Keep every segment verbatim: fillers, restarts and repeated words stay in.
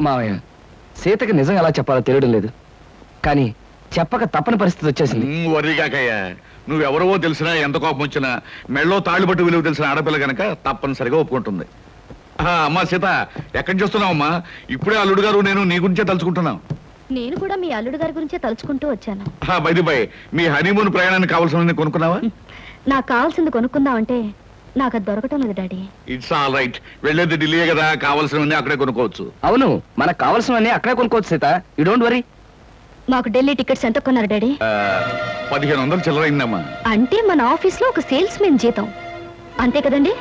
మావయ్య, సీతకి నిజం ఎలా చెప్పాలో తెలియడం లేదు, కానీ చెప్పక తప్పని పరిస్థితి వచ్చేసింది. వరిగాకయ్యా, నువ్వెవరవో తెలిసినా ఎంత కోపం వచ్చినా మెళ్ళో తాళ్ళు పట్టు విలువ తెలిసిన ఆడపిల్ల కనుక తప్పనిసరిగా ఒప్పుకుంటుంది. అమ్మా సీత, ఎక్కడి చూస్తున్నావమ్మా? ఇప్పుడే అల్లుడు గారు నేను నీ గురించే తలుచుకుంటున్నాం. నేను కూడా మీ అల్లుడు గారి గురించే తలుచుకుంటూ వచ్చాను. బైది బై, మీ హనీమూన్ ప్రయాణానికి కావాల్సిన కొనుక్కున్నావా? నాకు కావాల్సింది కొనుక్కుందామంటే నాకు అది దొరకటం లేదు డాడీ. ఇట్స్ ఆల్ రైట్, వెళ్ళేది ఢిల్లీ కదా, కావాల్సినవన్నీ అక్కడే కొనుక్కోవచ్చు. అవును, మనకు కావాల్సినవన్నీ అక్కడే కొనుక్కోవచ్చు సీత, యూ డోంట్ వరీ. మాకు ఢిల్లీ టికెట్స్ ఎంత కొన్నారు డాడీ? పదిహేను వందలు చిల్లరైందమ్మా. అంటే మన ఆఫీస్ లో ఒక సేల్స్ మెన్ జీతం అంతే కదండి?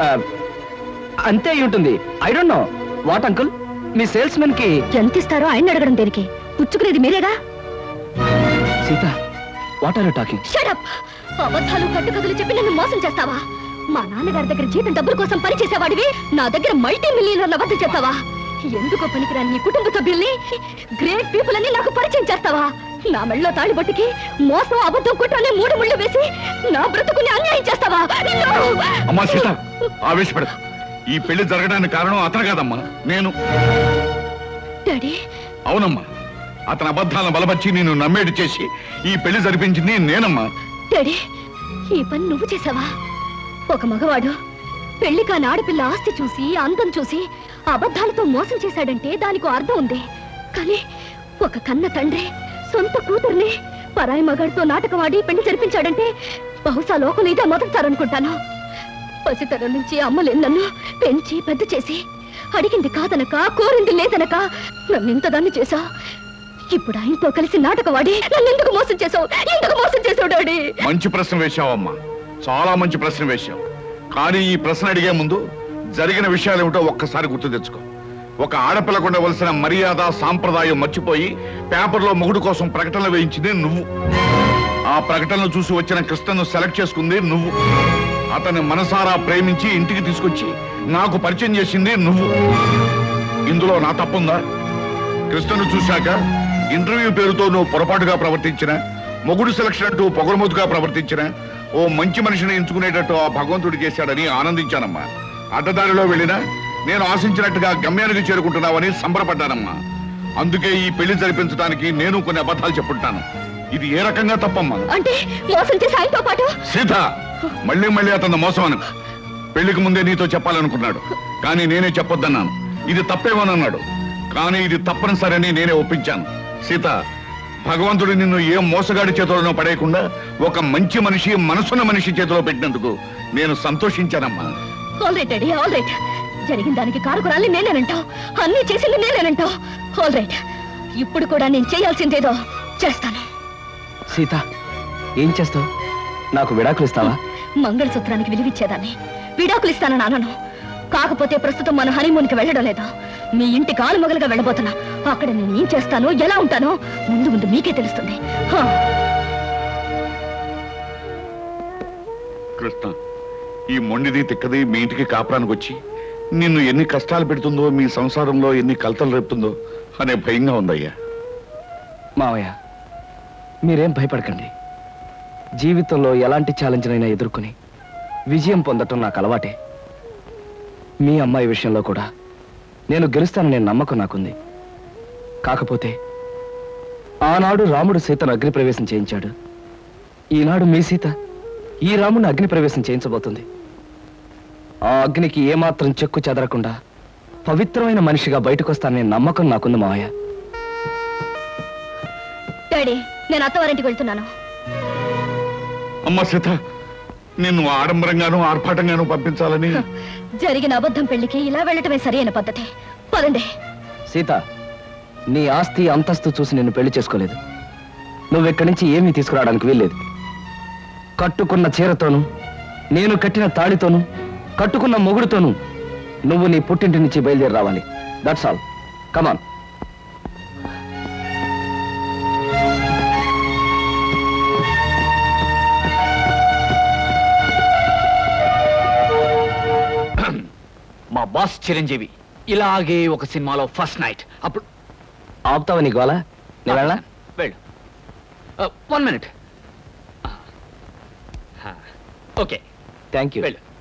అంతే అయి ఉంటుంది. I don't know what uncle, మీ సేల్స్ మెన్ కి ఎంత ఇస్తారో ఆయన అడగడం దేనికి? పుచ్చుకునేది మీరేగా. Sita, what are you talking? Shut up! అబద్ధాలు కట్టుకథలు చెప్పి నన్ను మోసం చేస్తావా? మా నాన్నగారి దగ్గర జీతం డబ్బుల కోసం పనిచేసేవాడివి నా దగ్గర మల్టీ మిలియనర్ల వద్ద చేస్తావా? ఎందుకో పనికిరాని నీ కుటుంబ సభ్యుల్ని, గ్రేట్ పీపుల్ అని నాకు పరిచయం చేస్తావా? నా మెళ్ళలో తాళి బొట్టుకి మోసం, అబద్ధం, కుట్రనే మూడు ముళ్ళు వేసి నా బ్రతుకుని అన్యాయం చేస్తావా? అమ్మా సీత, ఆవేశపడ. ఈ పెళ్లి జరగడానికి కారణం అతను కాదమ్మా, నేను. డాడీ? అవునమ్మా, అతని అబద్ధాలను బలపరిచి నేను నమ్మేటి చేసి ఈ పెళ్లి జరిపించింది నేనమ్మా. డాడీ, ఈ పని నువ్వు చేసావా? ఒక మగవాడు పెళ్లి కాని ఆడపిల్ల ఆస్తి చూసి, అందం చూసి అబద్ధాలతో మోసం చేశాడంటే దానికి అర్థం ఉంది. కానీ ఒక కన్న తండ్రి సొంత కూతుర్ని పరాయి మగాడితో నాటకవాడి పెళ్లి జరిపించాడంటే బహుశా లోకం ఇదే మొదటిసారనుకుంటాను. పసితరం నుంచి అమ్మలేని నన్ను పెంచి పెద్ద చేసి అడిగింది కాదనక, కోరింది లేదనక నన్ను ఇంతదాన్ని చేశావు. ఇప్పుడు ఆయనతో కలిసి నాటకవాడి నన్ను ఎందుకు మోసం చేశావు? ఎందుకు మోసం చేశావు డాడీ? మంచి ప్రశ్న వేశావమ్మా, చాలా మంచి ప్రశ్న వేశావు. కానీ ఈ ప్రశ్న అడిగే ముందు జరిగిన విషయాలు ఏమిటో ఒక్కసారి గుర్తు తెచ్చుకో. ఒక ఆడపిల్లకు ఉండవలసిన మర్యాద, సాంప్రదాయం మర్చిపోయి పేపర్లో మొగుడు కోసం ప్రకటనలు వేయించింది నువ్వు. ఆ ప్రకటనలు చూసి వచ్చిన కృష్ణను సెలెక్ట్ చేసుకుంది నువ్వు. అతన్ని మనసారా ప్రేమించి ఇంటికి తీసుకొచ్చి నాకు పరిచయం చేసింది నువ్వు. ఇందులో నా తప్పుందా? కృష్ణను చూశాక ఇంటర్వ్యూ పేరుతో నువ్వు పొరపాటుగా ప్రవర్తించిన, మొగుడు సెలక్షన్ అంటూ పొగరమోతుగా ప్రవర్తించిన, ఓ మంచి మనిషిని ఎంచుకునేటట్టు ఆ భగవంతుడు చేశాడని ఆనందించానమ్మా. అడ్డదారిలో వెళ్ళినా నేను ఆశించినట్టుగా గమ్యానికి చేరుకుంటున్నావని సంబరపడ్డానమ్మా. అందుకే ఈ పెళ్లి జరిపించడానికి నేను కొన్ని అబద్ధాలు చెప్పుంటాను. ఇది ఏ రకంగా తప్పమ్మా? అంటే మోసం చేసి ఆయనతో పాటు సీత, మళ్ళీ మళ్ళీ అతను మోసం అను. పెళ్లికి ముందే నీతో చెప్పాలనుకున్నాడు, కానీ నేనే చెప్పొద్దన్నాను. ఇది తప్పేమోనన్నాడు, కానీ ఇది తప్పనిసరని నేనే ఒప్పించాను. సీత, భగవంతుడు నిన్ను ఏ మోసగాడి చేతిలోనో పడేయకుండా ఒక మంచి మనిషి, మనసున్న మనిషి చేతిలో పెట్టినందుకు నేను సంతోషించానమ్మా. All right daddy, all right. జరిగిన దానికి కారుకురాలి నేనేనంటావు, అన్ని చేసింది నేనేనంటావు. ఆల్ రైట్, ఇప్పుడు కూడా నేను చేయాల్సిందేదో చేస్తాను. సీత, ఏం చేస్తావు? నాకు విడాకులు ఇస్తావా? మంగళసూత్రానికి విలువిచ్చేదాన్ని విడాకులు ఇస్తానని అనను. కాకపోతే ప్రస్తుతం మన హనీమూన్కి వెళ్ళడం లేదా, మీ ఇంటి కాలు మొగలుగా వెళ్ళబోతున్నా. అక్కడ నేను ఏం చేస్తానో, ఎలా ఉంటానో ముందు ముందు మీకే తెలుస్తుంది. కృష్ణ, ఈ మొండిది తిక్కది మీ ఇంటికి కాపురానికి వచ్చి నిన్ను ఎన్ని కష్టాలు పెడుతుందో, మీ సంసారంలో ఎన్ని కలతలు రేపుతుందో అనే భయంగా ఉందయ్యా. మావయ్య, మీరేం భయపడకండి. జీవితంలో ఎలాంటి ఛాలెంజ్నైనా ఎదుర్కొని విజయం పొందటం నాకు అలవాటే. మీ అమ్మాయి విషయంలో కూడా నేను గెలుస్తాననే నమ్మకం నాకుంది. కాకపోతే ఆనాడు రాముడు సీతను అగ్నిప్రవేశం చేయించాడు. ఈనాడు మీ సీత ఈ రాముడిని అగ్నిప్రవేశం చేయించబోతుంది. ఆ అగ్నికి ఏమాత్రం చెక్కు చెదరకుండా పవిత్రమైన మనిషిగా బయటకు వస్తాననే నమ్మకం నాకుంది మావయ్య. డాడీ, నేను అత్తవారింటికి వెళ్తున్నాను. అమ్మ సీత, నిన్ను ఆడంబరంగానూ ఆర్భాటంగానూ పంపించాలని జరిగిన అబద్ధం పెళ్లికి ఇలా వెళ్ళటమే సరైన పద్ధతి. పదండి. సీత, నీ ఆస్తి అంతస్తు చూసి నిన్ను పెళ్లి చేసుకోలేదు. నువ్వెక్కడి నుంచి ఏమీ తీసుకురావడానికి వీల్లేదు. కట్టుకున్న చీరతోనూ, నేను కట్టిన తాళితోనూ, కట్టుకున్న మొగుడుతోనూ నువ్వు నీ పుట్టింటి నుంచి బయలుదేరి రావాలి. That's all. కమాన్. మా బాస్ చిరంజీవి ఇలాగే ఒక సినిమాలో ఫస్ట్ నైట్ అప్పుడు ఆపుతావా నీ గోళ? నేను వెళ్ళా? వెళ్ళు. One minute. Okay, thank you. వెళ్ళు.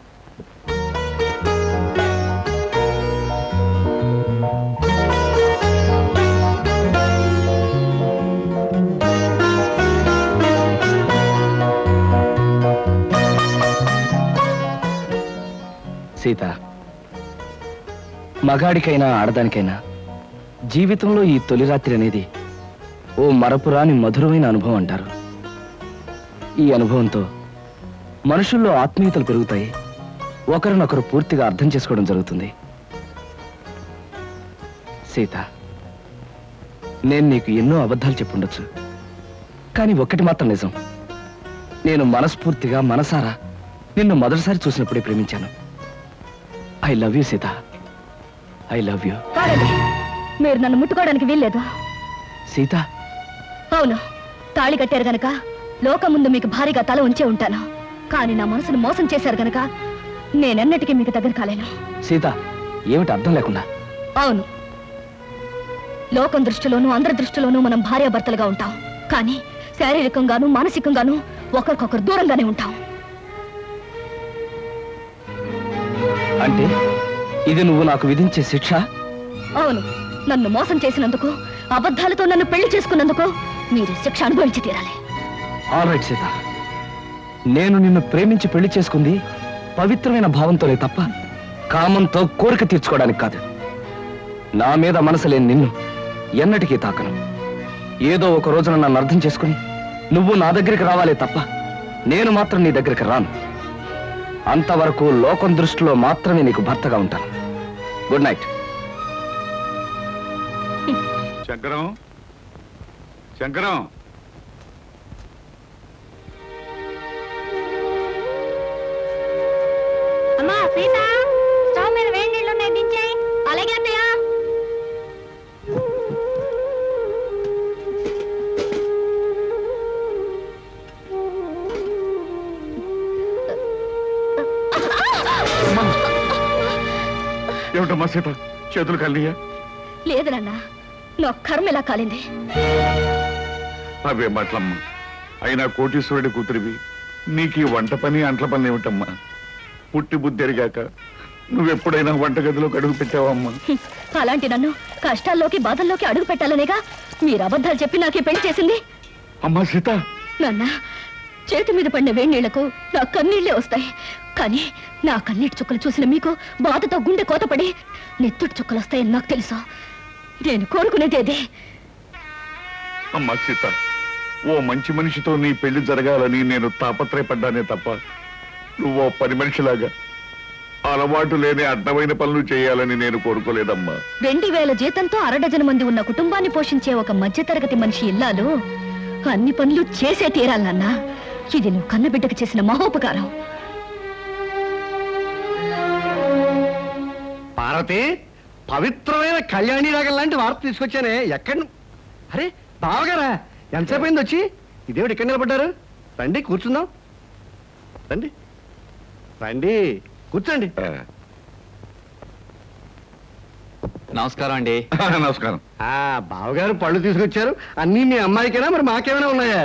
సీత, మగాడికైనా ఆడదానికైనా జీవితంలో ఈ తొలి రాత్రి అనేది ఓ మరపురాని మధురమైన అనుభవం అంటారు. ఈ అనుభవంతో మనుషుల్లో ఆత్మీయతలు పెరుగుతాయి, ఒకరినొకరు పూర్తిగా అర్థం చేసుకోవడం జరుగుతుంది. సీత, నేను నీకు ఎన్నో అబద్ధాలు చెప్పుండొచ్చు, కానీ ఒక్కటి మాత్రం నిజం. నేను మనస్ఫూర్తిగా మనసారా నిన్ను మొదటిసారి చూసినప్పుడే ప్రేమించాను. I love you Sita, I love you. కాదండి, మీరు నన్ను ముట్టుకోవడానికి వీల్లేదు. సీత, అవును, తాళి కట్టారు గనక లోకం ముందు మీకు భారీగా తల ఉంచే ఉంటాను. కానీ నా మనసును మోసం చేశారు గనక నేనెన్నటికీ మీకు దగ్గర కాలేను. సీత, ఏమిటి అర్థం లేకుండా? అవును, లోకం దృష్టిలోనూ అందరి దృష్టిలోనూ మనం భార్యాభర్తలుగా ఉంటాం, కానీ శారీరకంగాను మానసికంగాను ఒకరికొకరు దూరంగానే ఉంటాం. అంటే ఇది నువ్వు నాకు విధించే శిక్ష? అవును, నన్ను మోసం చేసినందుకు, అబద్ధాలతో నన్ను పెళ్లి చేసుకున్నందుకు మీరు శిక్ష అనుభవించి తీరాలి. ఆల్ రైట్ సీత, నేను నిన్ను ప్రేమించి పెళ్లి చేసుకుంది పవిత్రమైన భావంతోనే తప్ప కామంతో కోరిక తీర్చుకోవడానికి కాదు. నా మీద మనసు లేని నిన్ను ఎన్నటికీ తాకను. ఏదో ఒక రోజున నన్ను అర్థం చేసుకుని నువ్వు నా దగ్గరికి రావాలే తప్ప నేను మాత్రం నీ దగ్గరికి రాను. అంతవరకు లోకం దృష్టిలో మాత్రమే నీకు భర్తగా ఉంటాను. Good night. శంకరం, శంకరం, అమ్మా సీత, స్టవ్ మీద వేడి నీళ్ళు ఉన్నాయి, దించేయి. అలాగే అత్తయ్య. ఏమిటమ్మా సీత, చేతులు కలియా? లేదు నాన్న, నా కర్మ ఇలా కాలింది. అవే మాటలమ్మా, అయినా కోటీశ్వరుడి కూతురివి, నీకు ఈ వంట పని అంట్ల పని ఏమిటమ్మా? పుట్టి బుద్ధి ఎరిగాక నువ్వెప్పుడైనా వంటగదిలోకి అడుగు పెట్టావమ్మా? హ్మ్, అలాంటి నన్ను కష్టాల్లోకి బాధల్లోకి అడుగు పెట్టాలనేగా మీరు అబద్ధాలు చెప్పి నాకే పెళ్లి చేసింది. అమ్మా సీత, నాన్న, చేతి మీద పడిన వేడి నీళ్లకు నా కన్నీళ్లే వస్తాయి, కానీ నా కన్నీటి చుక్కలు చూసిన మీకు బాధతో గుండె కోతపడి నెత్తుటి చుక్కలు వస్తాయని నాకు తెలుసు. నేను కోరుకునేదేదే. అమ్మా సీత, ఓ మంచి మనిషితో నీ పెళ్లి జరగాలని నేను తాపత్రయపడ్డానే తప్ప నువ్వో పని మనిషిలాగా అలవాటు లేని అడ్డమైన పనులు చేయాలని నేను కోరుకోలేదమ్మా. రెండు వేల జీతంతో అరడజన మంది ఉన్న కుటుంబాన్ని పోషించే ఒక మధ్యతరగతి మనిషి ఇల్లాలు అన్ని పనులు చేసే తీరాలన్నా. ఇది నువ్వు కన్నబిడ్డకు చేసిన మహోపకారం. పార్వతి, పవిత్రమైన కళ్యాణి రాగం లాంటి వార్త తీసుకొచ్చానే. ఎక్కడ? అరే బావగారా, ఎంతసేపు అయింది వచ్చి? ఇదేమిటి ఇక్కడ నిలబడ్డారు? రండి కూర్చుందాం. రండి రండి కూర్చోండి. నమస్కారం అండి. నమస్కారం. ఆ బావగారు పళ్ళు తీసుకొచ్చారు. అన్నీ మీ అమ్మాయికేనా, మరి మాకేమైనా ఉన్నాయా?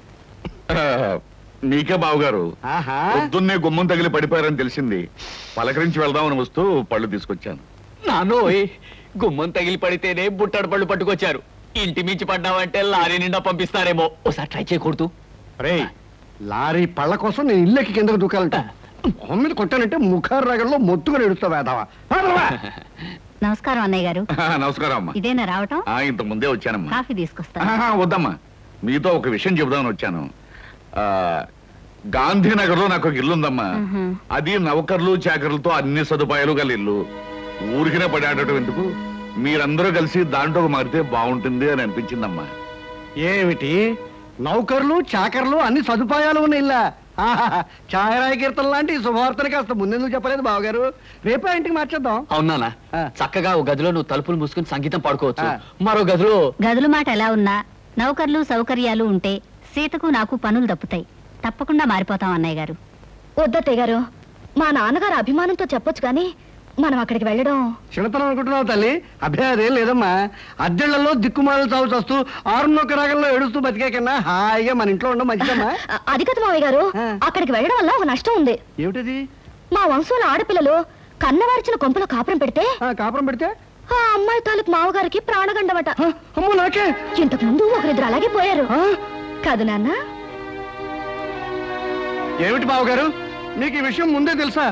నీకే బావగారు. ఆహా, పొద్దున్నే గుమ్మం తగిలి పడిపోయారని తెలిసింది. పలకరించి వెళ్దామని వస్తూ పళ్ళు తీసుకొచ్చాను. నానోయ్, గుమ్మం తగిలి పడితేనే బుట్టడు పళ్ళు పట్టుకొచ్చారు. ఇంటి మించి పడ్డావంటే లారీ నిండా పంపిస్తారేమో. ఒకసారి ట్రై చేయకూడదు? రే, లారీ పళ్ళ కోసం నేను ఇల్లెక్కి కిందకు దూకాలంట. మొహం మీద కొట్టానంటే ముఖారు రాగంలో మొత్తుగా ఎడుస్తావు వేదావా. నమస్కారం అన్నయ్య గారు. నమస్కారం అమ్మా. ఇదేనా రావటం? ఆ, ఇంత ముందే వచ్చానమ్మా. కాఫీ తీసుకొస్తా. ఆహా, వద్దమ్మా, మీతో ఒక విషయం చెబుదామని వచ్చాను. ఆ గాంధీనగర్ లో నాకు ఒక ఇల్లు ఉందమ్మా. మ్హూ. అది నౌకర్లు చాకర్లతో అన్ని సదుపాయాలు గల ఇల్లు. ఊరికినే పడాడటం ఎందుకు, మీరందరూ కలిసి దాంట్లో మారితే బాగుంటుంది అని అనిపించిందమ్మా. ఏమిటి, నౌకర్లు చాకర్లు అన్ని సదుపాయాలు ఉన్న ఇల్లా? ఛాయరాయ కీర్తన లాంటి ఈ శుభవార్తని కాస్త ముందెందుకు చెప్పలేదు బావగారు? రేపే ఇంటికి మార్చేద్దాం. అవునా? ఆ. చక్కగా ఒక గదిలో నువ్వు తలుపులు మూసుకుని సంగీతం పాడుకోవచ్చు. ఆ. మరో గదిలో గదుల మాట ఎలా ఉన్నా నౌకర్లు సౌకర్యాలు ఉంటే సీతకు నాకు పనులు తప్పుతాయి. తప్పకుండా మారిపోతాం అన్నయ్య గారు. వద్దత్తయ్య గారు, మా నాన్నగారు అభిమానంతో చెప్పొచ్చు కానీ మనం అక్కడికి వెళ్ళడం. చిన్నతనం అనుకుంటున్నావు తల్లి? అభ్యాదేం లేదమ్మా. అద్దెళ్లలో దిక్కుమాలు చావు చస్తూ ఆరున్నొక్క రాగంలో ఏడుస్తూ బతికే కన్నా హాయిగా మన ఇంట్లో ఉండడం మంచిదమ్మా. అ- అది కదా మావయ్య గారు, ఆ. అక్కడికి వెళ్ళడం వల్ల ఒక నష్టం ఉంది. ఏమిటది? మా వంశంలో ఆడపిల్లలు కన్నవారిచిన కొంపలో కాపురం పెడితే ఆ, కాపురం పెడితే ఆ అమ్మాయి తాలూకు మావగారికి ప్రాణగండమట. ఆ, అమ్మో నాకే. ఇంతకు ముందు ఒకరిద్దరు అలాగే పోయారు ఆ, కాదు నాన్న? ఏమిటి బావగారు, మీకు ఈ విషయం ముందే తెలుసా?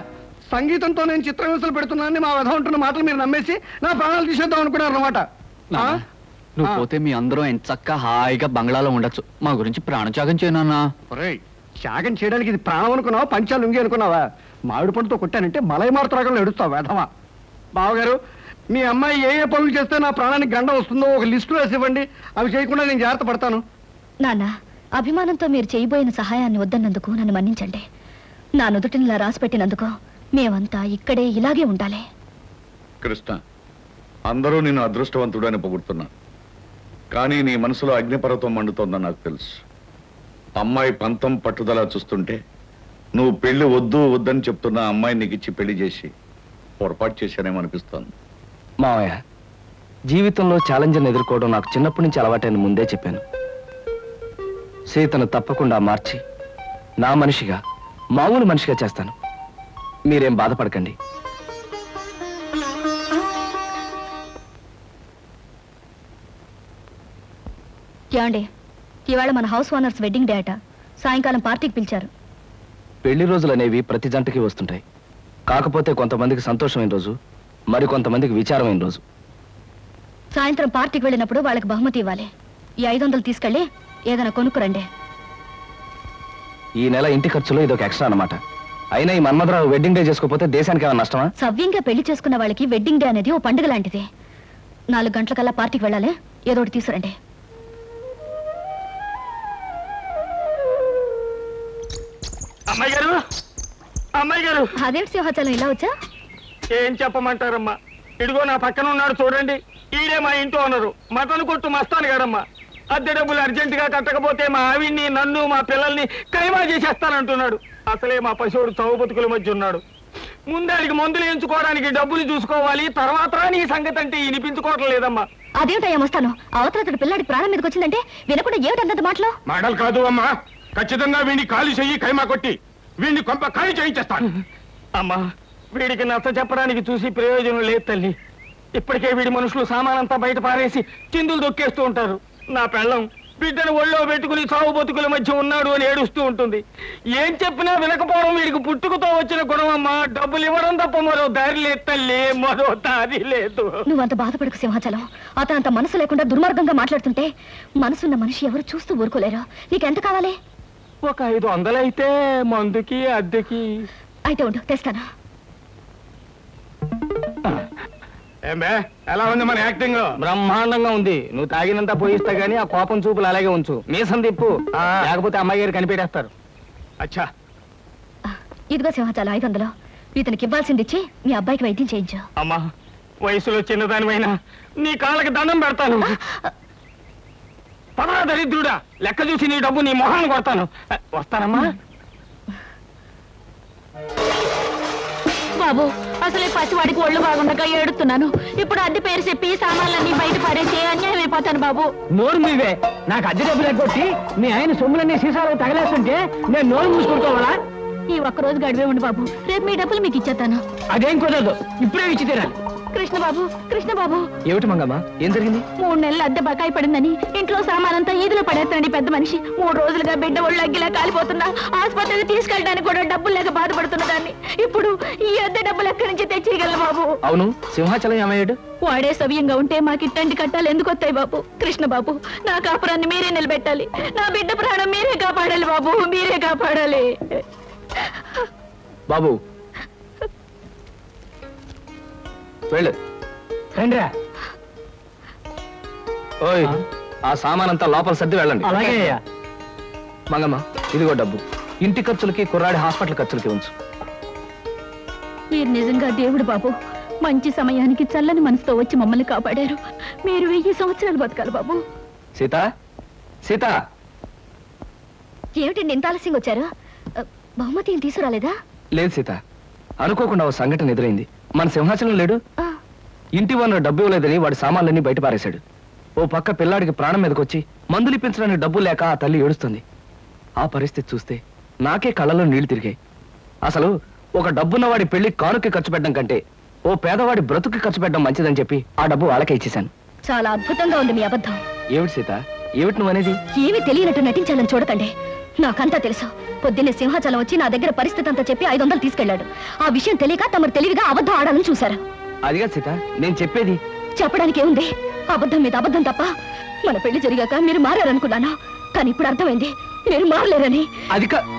సంగీతంతో నేను చిత్రహింసలు పెడుతున్నానని మా వధ ఉంటున్న మాటలు మీరు నమ్మేసి నా ప్రాణాలు తీసేద్దాం అనుకున్నారు అనమాట. నాన్న, నువ్వు ఆ. పోతే మీ అందరూ ఎంత చక్కగా హాయిగా బంగ్లాలో ఉండొచ్చు. మా గురించి ప్రాణత్యాగం చేయనన్నా. త్యాగం చేయడానికి ఇది ప్రాణం అనుకున్నావా, పంచాలు ఉంగి అనుకున్నావా? మామిడి పండుతో కొట్టానంటే మలై మారుతరాగంలో ఎడుస్తావు వేధవా. బావగారు, మీ అమ్మాయి ఏ ఏ పనులు చేస్తే నా ప్రాణానికి గండం వస్తుందో ఒక లిస్టు వేసి ఇవ్వండి. అవి చేయకుండా నేను జాగ్రత్త పడతాను. నాన్న, అభిమానంతో మీరు చేయబోయిన సహాయాన్ని వద్దన్నందుకు నన్ను మన్నించండి. నా నుదుటిని ఇలా రాసి పెట్టినందుకు మేమంతా ఇక్కడే ఇలాగే ఉండాలి. కృష్ణ, అందరూ నేను అదృష్టవంతుడు అని పొగుడుతున్నా, కానీ నీ మనసులో అగ్నిపర్వతం మండుతోందని నాకు తెలుసు. అమ్మాయి పంతం పట్టుదల చూస్తుంటే నువ్వు పెళ్లి వద్దు వద్దని చెప్తున్న అమ్మాయి నీకు ఇచ్చి పెళ్లి చేసి పొరపాటు చేశానేమో అనిపిస్తోంది. మావయ్య, జీవితంలో ఛాలెంజ్ని ఎదుర్కోవడం నాకు చిన్నప్పటి నుంచి అలవాటైన ముందే చెప్పాను. సీతను తప్పకుండా మార్చి నా మనిషిగా, మామూలు మనిషిగా చేస్తాను. మీరేం బాధపడకండి. ఏమండి, ఇవాళ మన హౌస్ ఓనర్స్ వెడ్డింగ్ డే అట. సాయంకాలం పార్టీకి పిలిచారు. పెళ్లి రోజులు అనేవి ప్రతి జంటకి వస్తుంటాయి. కాకపోతే కొంతమందికి సంతోషమైన రోజు, మరి కొంతమందికి విచారమైన రోజు. సాయంత్రం పార్టీకి వెళ్ళినప్పుడు వాళ్ళకి బహుమతి ఇవ్వాలి. ఈ ఐదు వందలు తీసుకెళ్ళి ఏదైనా కొనుక్కురండి. ఈ నెల ఇంటి ఖర్చులో ఇదొక ఎక్స్ట్రా అన్నమాట. అయినా ఈ మన్మధరావు వెడ్డింగ్ డే చేసుకోకపోతే దేశానికి ఏమైనా నష్టమా? సవ్యంగా పెళ్లి చేసుకున్న వాళ్ళకి వెడ్డింగ్ డే అనేది ఓ పండుగ లాంటిది. నాలుగు గంటలకల్లా పార్టీకి వెళ్ళాలి. ఏదో ఒకటి తీసుకురండి. అమ్మాయి గారు, అమ్మాయి గారు, అదేంటి సింహాచలం ఇలా వచ్చా? ఏం చెప్పమంటారమ్మా? ఇదిగో నా పక్కన ఉన్నాడు చూడండి, ఈడే మా ఇంట్లో ఉన్నారు. మటన్ కొట్టు మస్తాను గారమ్మా. అద్దె డబ్బులు అర్జెంట్ గా కట్టకపోతే మా ఆవిడ్ని, నన్ను, మా పిల్లల్ని కైమా చేసేస్తానంటున్నాడు. అసలే మా పశువుడు చౌ బతుకుల మధ్య ఉన్నాడు. ముందాడికి మందులు ఎంచుకోవడానికి డబ్బులు చూసుకోవాలి, తర్వాత నీ సంగతి అంటే వినిపించుకోవటం లేదమ్మా. అదేమిటయ్యా వస్తాను. అవతల పిల్లాడి ప్రాణం మీదకి వచ్చిందంటే వినకుండా ఏమిటన్నది మాటలో? మాటలు కాదు అమ్మా, ఖచ్చితంగా వీడిని ఖాళీ చెయ్యి, కైమా కొట్టి వీడిని కొంప ఖాళీ చేయించేస్తాను. అమ్మా, వీడికి నచ్చ చెప్పడానికి చూసి ప్రయోజనం లేదు తల్లి. ఇప్పటికే వీడి మనుషులు సామానంతా బయట పారేసి చిందులు దొక్కేస్తూ ఉంటారు. నా పెళ్ళం బిడ్డను ఒళ్ళో పెట్టుకుని సాగు బతుకుల మధ్య ఉన్నాడు అని ఏడుస్తూ ఉంటుంది. ఏం చెప్పినా వినకపోవడం వీడికి పుట్టుకతో వచ్చిన గుణం అమ్మా. డబ్బులు ఇవ్వడం తప్ప మరో దారి లేదు తల్లి, మరో దారి లేదు. నువ్వంత బాధపడకు సింహాచలం. అతను అంత మనసు లేకుండా దుర్మార్గంగా మాట్లాడుతుంటే మనసున్న మనిషి ఎవరు చూస్తూ ఊరుకోలేరు. నీకెంత కావాలి? ఒక ఐదు వందలైతే మందుకి అద్దెకి. అయితే ఉండు, తెస్తాను. ఏమే, ఎలా ఉంది మన యాక్టింగ్? బ్రహ్మాండంగా ఉంది. నువ్వు తాగినంత పోయిస్తా గానీ ఆ కోపం చూపులు అలాగే ఉంచు. మీసం తిప్పు, లేకపోతే అమ్మాయి గారు కనిపెట్టేస్తారు. అచ్చా, ఇదిగో సింహాచలం ఐదు వందలు. ఇతనికి ఇవ్వాల్సింది ఇచ్చి మీ అబ్బాయికి వైద్యం చేయించు. అమ్మా, వయసులో చిన్నదానివైనా నీ కాళ్ళకి దండం పెడతాను. పదరా దరిద్రుడా, లెక్క చూసి నీ డబ్బు నీ మొహాన్ని కొడతాను. వస్తానమ్మా. బాబు, అసలే పసివాడికి ఒళ్ళు బాగుండగా ఏడుతున్నాను. ఇప్పుడు అద్దె పేరు చెప్పి సామాన్లన్నీ బయట పడేసి అన్యాయం అయిపోతాను బాబు. నోరు మీవే. నాకు అద్దె డబ్బులు ఎగ్గొట్టి మీ ఆయన సొమ్ములన్నీ సీసాలు తగలేస్తుంటే నేను నోరు మూసుకుంటావాలా? ఈ ఒక్క రోజు గడివే ఉండి బాబు, రేపు మీ డబ్బులు మీకు ఇచ్చేస్తాను. అదేం కుదరదు, ఇప్పుడే ఇచ్చి తీరాలి. కృష్ణ బాబు, కృష్ణ బాబు, ఏమిటి మంగమ్మ, ఏం జరిగింది? మూడు నెలలు అద్దె బకాయి పడిందని ఇంట్లో సామానంతా ఈదులో పడేస్తాండి పెద్ద మనిషి. మూడు రోజులుగా బిడ్డ ఒళ్ళు అగ్గిలా కాలిపోతున్నా ఆసుపత్రికి తీసుకెళ్ళడానికి కూడా డబ్బులు లేక బాధపడుతున్న దాన్ని ఇప్పుడు ఈ అద్దె డబ్బులు ఎక్కడి నుంచి తెచ్చేయగలను బాబు? అవును, సింహాచలం ఏమయ్యాడు? వాడే సవ్యంగా ఉంటే మాకు ఇట్టండి కట్టాలి ఎందుకు వస్తాయి బాబు? కృష్ణ బాబు, నా కాపురాన్ని మీరే నిలబెట్టాలి. నా బిడ్డ ప్రాణం మీరే కాపాడాలి బాబు, మీరే కాపాడాలి. బాబు వెళ్ళు. రండిరా. ఓయ్, ఆ సామానంతా లోపల సర్ది వెళ్ళండి. అలాగే అయ్యా. మంగమ్మ, ఇదిగో డబ్బు. ఇంటి ఖర్చులకి, కుర్రాడి హాస్పిటల్ ఖర్చులకి ఉంచు. మీరు నిజంగా దేవుడు బాబు. మంచి సమయానికి చల్లని మనసుతో వచ్చి మమ్మల్ని కాపాడారు. మీరు వెయ్యి సంవత్సరాలు బతకాలి బాబు. సీత, సీత, ఏమిటండి ఇంత ఆలస్యంగా వచ్చారు? అ, బహుమతి ఏం తీసుకురాలేదా? లేదు సీత, అనుకోకుండా ఓ సంఘటన ఎదురైంది. మన సింహాచలం లేడు, ఆ, ఇంటి వనరు డబ్బు ఇవ్వలేదని వాడి సామాన్లన్నీ బయట పారేశాడు. ఓ పక్క పిల్లాడికి ప్రాణం మీదకొచ్చి మందులు ఇప్పించడానికి డబ్బు లేక ఆ తల్లి ఏడుస్తుంది. ఆ పరిస్థితి చూస్తే నాకే కళ్ళలో నీళ్లు తిరిగాయి. అసలు ఒక డబ్బున్న వాడి పెళ్లి కానుక్కి ఖర్చు పెట్టడం కంటే ఓ పేదవాడి బ్రతుకి ఖర్చు పెట్టడం మంచిదని చెప్పి ఆ డబ్బు వాళ్ళకే ఇచ్చేశాను. చాలా అద్భుతంగా ఉంది మీ అబద్ధం. ఏమిటి సీత, ఏమిటి నువ్వు అనేది? ఏమీ తెలియనట్టు నటించాలని చూడకండి. నాకంతా తెలుసు. పొద్దున్నే సింహాచలం వచ్చి నా దగ్గర పరిస్థితి అంతా చెప్పి ఐదు వందలు తీసుకెళ్లాడు. ఆ విషయం తెలియక తమరు తెలివిగా అబద్ధం ఆడాలని చూశారు. అదిగా సీత నేను చెప్పేది. చెప్పడానికి ఏముంది? అబద్ధం మీద అబద్ధం తప్ప. మన పెళ్లి జరిగాక మీరు మారారనుకున్నాను, కానీ ఇప్పుడు అర్థమైంది మీరు మారలేరని. అది కా